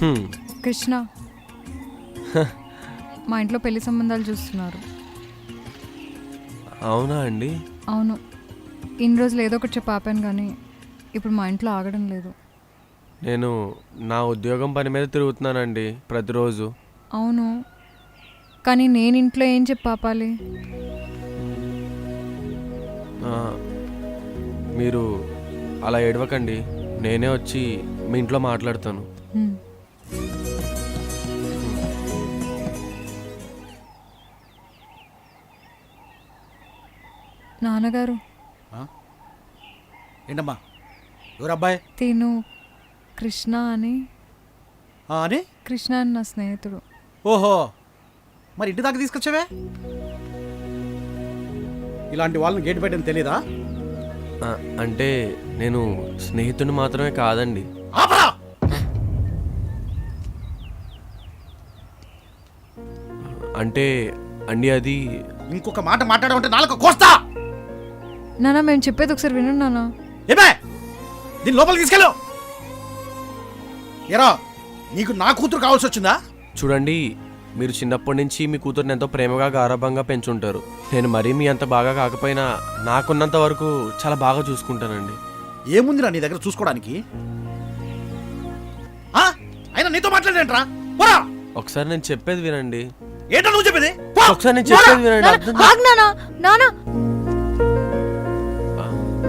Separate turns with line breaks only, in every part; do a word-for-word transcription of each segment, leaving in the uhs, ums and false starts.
హ్మ్.
కృష్ణ మా ఇంట్లో పెళ్లి సంబంధాలు చూస్తున్నారు.
అవునా అండి?
అవును, ఇన్ని రోజులు ఏదో ఒకటి చెప్పి ఆపాను కానీ ఇప్పుడు మా ఇంట్లో ఆగడం లేదు.
నేను నా ఉద్యోగం పని మీద తిరుగుతున్నానండి ప్రతిరోజు.
అవును, కానీ నేను ఇంట్లో ఏం చెప్పి ఆపాలి?
ఆ, మీరు అలా ఏడవకండి, నేనే వచ్చి మీ ఇంట్లో మాట్లాడతాను.
హ్మ్. నాన్నగారు,
ఏంటమ్మా ఎవరు అబ్బాయి
తిను కృష్ణ అని.
ఆ, అని
కృష్ణ అని నా స్నేహితుడు.
ఓహో, మరి ఇంటి దాకా తీసుకొచ్చావే? ఇలాంటి వాళ్ళని గేట్ పెట్టని తెలీదా?
ఆ, అంటే నేను స్నేహితుని మాత్రమే కాదండి.
ఆపరా!
అంటే అండి అది
ఇంకొక మాట మాట్లాడమంటే నాలుక కోస్తా.
నాన్న, మేము చెప్పేది ఒకసారి వినండి నాన్న.
ఏమే, దీన్ని లోపలికి తీసుకెళ్ళు. ఎరా, నీకు నా కూతురు కావాల్సి వచ్చిందా?
చూడండి, మీరు చిన్నప్పటి నుంచి మీ కూతుర్ని ఎంతో ప్రేమగా గారాభంగా పెంచుంటారు. నేను మరీ మీ అంత బాగా కాకపోయినా నాకున్నంత వరకు చాలా బాగా చూసుకుంటానండి.
ఏముందిరా నీ దగ్గర చూసుకోవడానికి? ఆ? అయినా నీతో మాట్లాడేంట్రా? పోరా!
ఒకసారి నేను చెప్పేది వినండి.
ఏంటో నువ్వు చెప్పేది? పో!
ఒకసారి నేను చెప్పేది వినండి. అర్థం చే-
ఆగు నాన్న, నాన్న.
ఆ,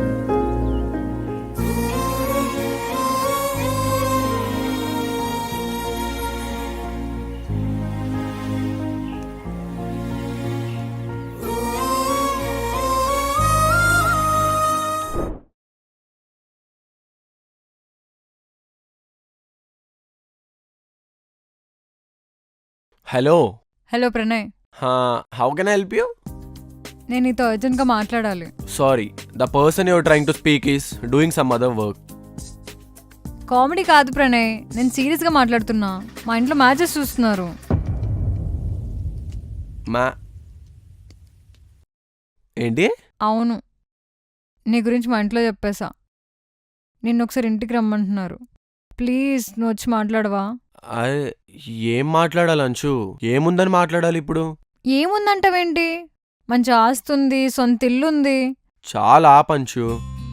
hello.
Hello Pranay,
how can I help you?
నేను నీతో అర్జెంట్గా మాట్లాడాలి.
Sorry, the person your trying to speak is doing some other work.
Comedy కాదు ప్రణయ్, నేను సీరియస్గా మాట్లాడుతున్నా. మా ఇంట్లో మ్యాచెస్ చూస్తున్నారు.
మా ఏంటి?
అవును, నీ గురించి మా ఇంట్లో చెప్పేశా. నిన్ను ఒకసారి ఇంటికి రమ్మంటున్నారు. ప్లీజ్ నువ్వు వచ్చి మాట్లాడవా?
అరే, ఏం మాట్లాడాలి అంచు? ఏముందని మాట్లాడాలి ఇప్పుడు?
ఏముందంటావేంటి? మంచి ఆస్తుంది, సొంత ఇల్లుంది.
చాలా పంచు,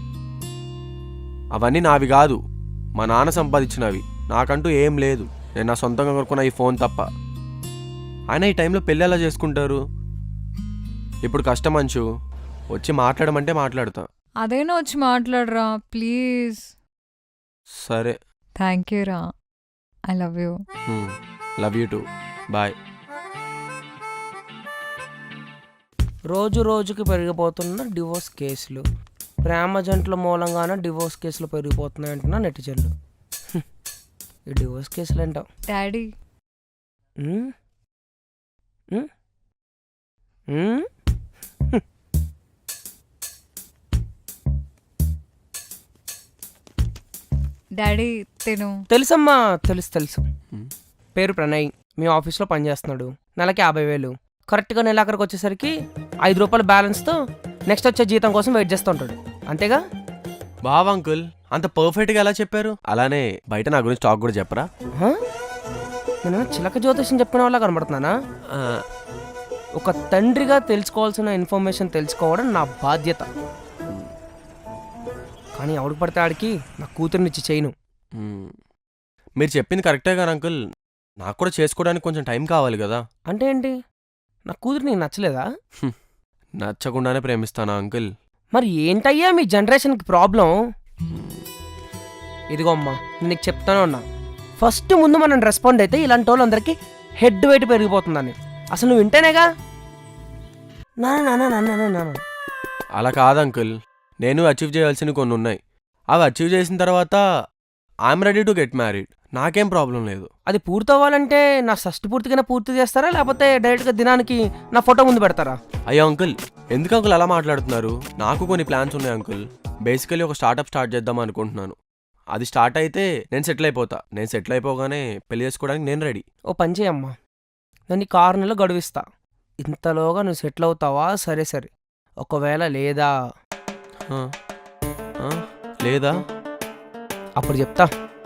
అవన్నీ నావి కాదు, మా నాన్న సంపాదించినవి. నాకంటూ ఏం లేదు. నేను నా సొంతంగా కొనుక్కున్న ఈ ఫోన్ తప్ప. ఆయన ఈ టైంలో పెళ్ళి ఎలా చేసుకుంటారు? ఇప్పుడు కష్టం అంచు, వచ్చి మాట్లాడమంటే మాట్లాడతా.
అదైనా వచ్చి మాట్లాడరా ప్లీజ్.
సరే.
థ్యాంక్ యూ రా, I love you.
Love you too, bye.
రోజు రోజుకి పెరిగిపోతున్న డివోర్స్ కేసులు, ప్రేమ జంటల మూలంగానే డివోర్స్ కేసులు పెరిగిపోతున్నాయి అంటున్నా నెటిజన్లు. హ్మ్. ఈ డివోర్స్ కేసులు అంటాం.
డాడీ,
ఉమ్? ఉమ్? ఉమ్? హ్మ్.
డాడీ తిను.
తెలుసమ్మా, తెలుసు తెలుసు.
హ్మ్.
పేరు ప్రణయ్, మీ ఆఫీస్లో పనిచేస్తున్నాడు. నెలకి యాభై వేలు. కరెక్ట్గా నెలాఖరికి వచ్చేసరికి ఐదు రూపాయల బ్యాలెన్స్తో నెక్స్ట్ వచ్చే జీతం కోసం వెయిట్ చేస్తూ ఉంటాడు. అంతేగా?
బావ్ అంకుల్, అంత పర్ఫెక్ట్గా ఎలా చెప్పారు? అలానే బయట నా గురించి టాక్ కూడా చెప్పరా?
హ? నేను చిలక జ్యోతిషం చెప్పిన వాళ్ళ కనబడుతున్నానా?
ఆ,
ఒక తండ్రిగా తెలుసుకోవాల్సిన ఇన్ఫర్మేషన్ తెలుసుకోవడం నా బాధ్యత. కానీ ఎవడికి పడితే ఆడికి నా కూతురునిచ్చి చేయను.
మ్, మీరు చెప్పింది కరెక్టే కానీ అంకుల్, నాకు కూడా చేసుకోవడానికి కొంచెం టైం కావాలి కదా.
అంటే ఏంటి? నా కూతురు నీకు నచ్చలేదా?
నచ్చకుండానే ప్రేమిస్తానా అంకుల్?
మరి ఏంటయ్యా మీ జనరేషన్కి ప్రాబ్లం? ఇదిగో అమ్మా, నేను నీకు చెప్తానే ఉన్నా, ఫస్ట్ ముందు మనం రెస్పాండ్ అయితే ఇలాంటి వాళ్ళందరికీ హెడ్ వెయిట్ పెరిగిపోతుందని. అసలు నువ్వు వింటేనేగా నా నా నా నా నా నా
అలా కాదు అంకుల్, నేను అచీవ్ చేయాల్సినవి కొన్ని ఉన్నాయి. అవి అచీవ్ చేసిన తర్వాత I'm ready to get married. నాకేం ప్రాబ్లం లేదు.
అది పూర్తవ్వాలంటే నా షష్టి పూర్తిగానే పూర్తి చేస్తారా, లేకపోతే డైరెక్ట్గా దినానికి నా ఫోటో ముందు పెడతారా?
అయ్యో అంకుల్, ఎందుకు అంకుల్ అలా మాట్లాడుతున్నారు? నాకు కొన్ని ప్లాన్స్ ఉన్నాయి అంకుల్. బేసికలీ ఒక స్టార్ట్అప్ స్టార్ట్ చేద్దాం అనుకుంటున్నాను. అది స్టార్ట్ అయితే నేను సెటిల్ అయిపోతా. నేను సెటిల్ అయిపోగానే పెళ్లి చేసుకోవడానికి నేను రెడీ.
ఓ పని చేయమ్మా, నేను నీకు ఆరు నెలలు గడువిస్తా. ఇంతలోగా నువ్వు సెటిల్ అవుతావా? సరే సరే. ఒకవేళ లేదా
ఆ, ఆ, లేదా?
అప్పుడు చెప్తా.